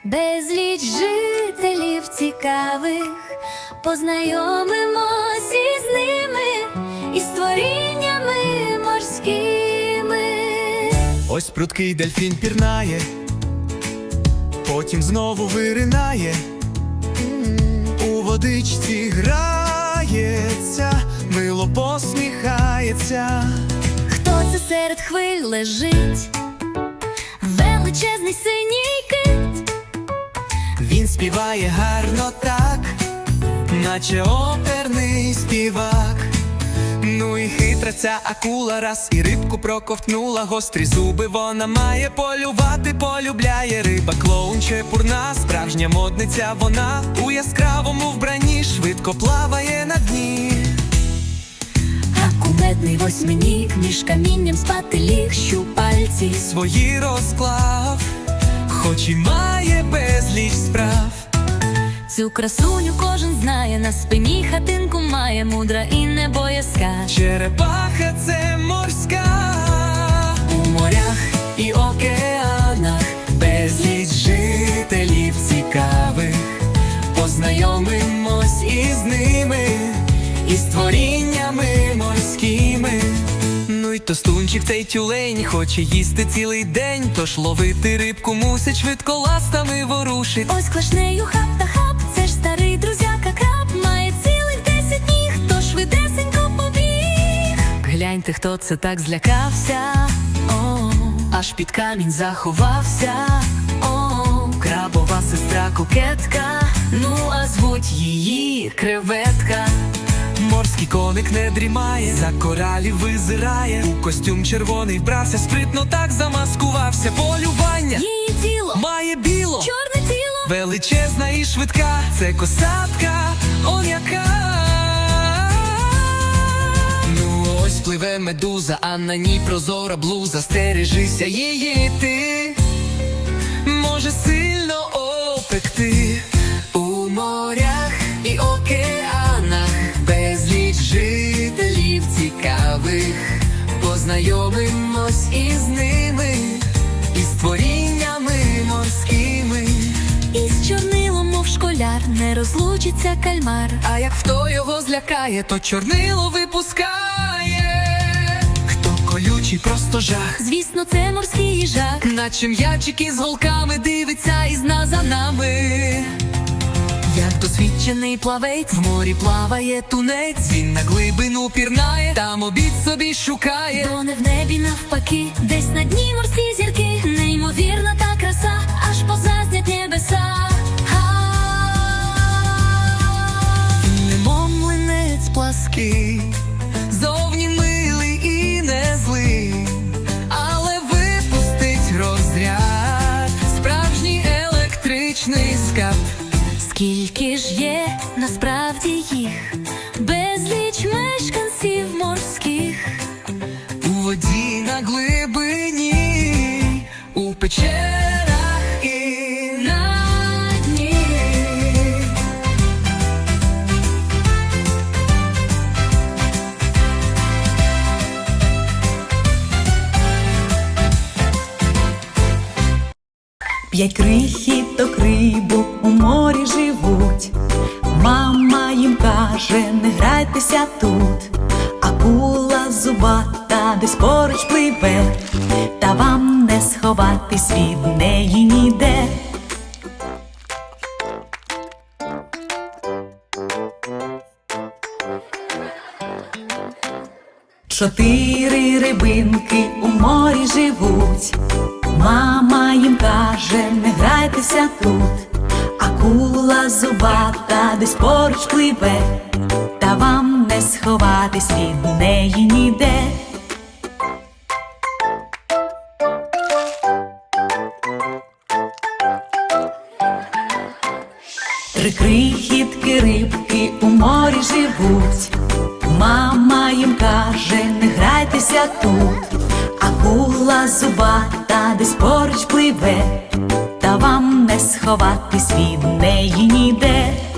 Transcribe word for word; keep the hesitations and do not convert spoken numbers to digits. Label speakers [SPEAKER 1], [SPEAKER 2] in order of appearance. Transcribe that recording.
[SPEAKER 1] безліч жителів цікавих, познайомимось із ними, і створіннями морськими.
[SPEAKER 2] Ось прудкий дельфін пірнає, потім знову виринає, у водичці грається, мило посміхається.
[SPEAKER 1] Хто це серед хвиль лежить? Величезний синій кит.
[SPEAKER 2] Він співає гарно так, наче оперний співак. Ну і хитра ця акула, раз і рибку проковтнула. Гострі зуби вона має, полювати полюбляє. Риба клоун чепурна, справжня модниця вона. У яскравому вбранні швидко плаває на дні.
[SPEAKER 1] А кумедний восьминіг між камінням спати ліг, щупальці
[SPEAKER 2] свої розклав, хоч і має безліч справ.
[SPEAKER 1] Цю красуню кожен знає, на спині хатинку має, мудра і небоязка.
[SPEAKER 2] Черепаха – це морська. У морях і океанах безліч жителів цікавих, познайомимось із ними, і створіннями морськими. Ну й тостунчик цей тюлень хоче їсти цілий день, тож ловити рибку мусить, швидко ластами ворушить.
[SPEAKER 1] Ось клашнею хап та хап, це ж старий друзяка краб, має цілих десять ніг, тож швидесенько побіг.
[SPEAKER 2] Гляньте, хто це так злякався, о, аж під камінь заховався. О, крабова сестра кокетка, ну а звуть її креветка. Морський коник не дрімає, за коралів визирає, у костюм червоний вбрався, спритно так замаскувався. Полювання
[SPEAKER 1] її тіло
[SPEAKER 2] має біло,
[SPEAKER 1] чорне тіло,
[SPEAKER 2] величезна і швидка, це косатка, он яка. Ну ось пливе медуза, а на ній прозора блуза. Стережися її ти, може сильно опекти. У морях і океанах безліч жителів цікавих, познайомимось із ними, і створіннями морськими.
[SPEAKER 1] із чорнилом, мов школяр, не розлучиться кальмар.
[SPEAKER 2] А як хто його злякає, то чорнило випускає. Хто колючий, просто жах,
[SPEAKER 1] Звісно, це морський їжак,
[SPEAKER 2] наче м'ячики з голками дивиться із нас за нами. Як досвідчений плавець, в морі плаває тунець. Він на глибину пірнає, там обід собі шукає.
[SPEAKER 1] то не в небі навпаки, десь на дні морські зірки. Неймовірна та краса, аж позазнять небеса.
[SPEAKER 2] Немов млинець плаский, зовні милий і не злий, але випустить розряд, справжній електричний скап.
[SPEAKER 1] Скільки ж є насправді їх, безліч мешканців морських.
[SPEAKER 2] У воді на глибині, у печерах і на дні.
[SPEAKER 3] П'ять крихіток рибок у морі живуть. Мама їм каже, не грайтеся тут. Акула зубата десь поруч пливе, та вам не сховатись від неї ніде. Чотири рибинки у морі живуть. Мама їм каже, не грайтеся тут. Акула зубата десь поруч пливе, та вам не сховатись від неї ніде. Три крихітки рибки у морі живуть. Мама їм каже, не грайтеся тут. Акула зубата десь поруч пливе, та вам не сховатись від неї ніде.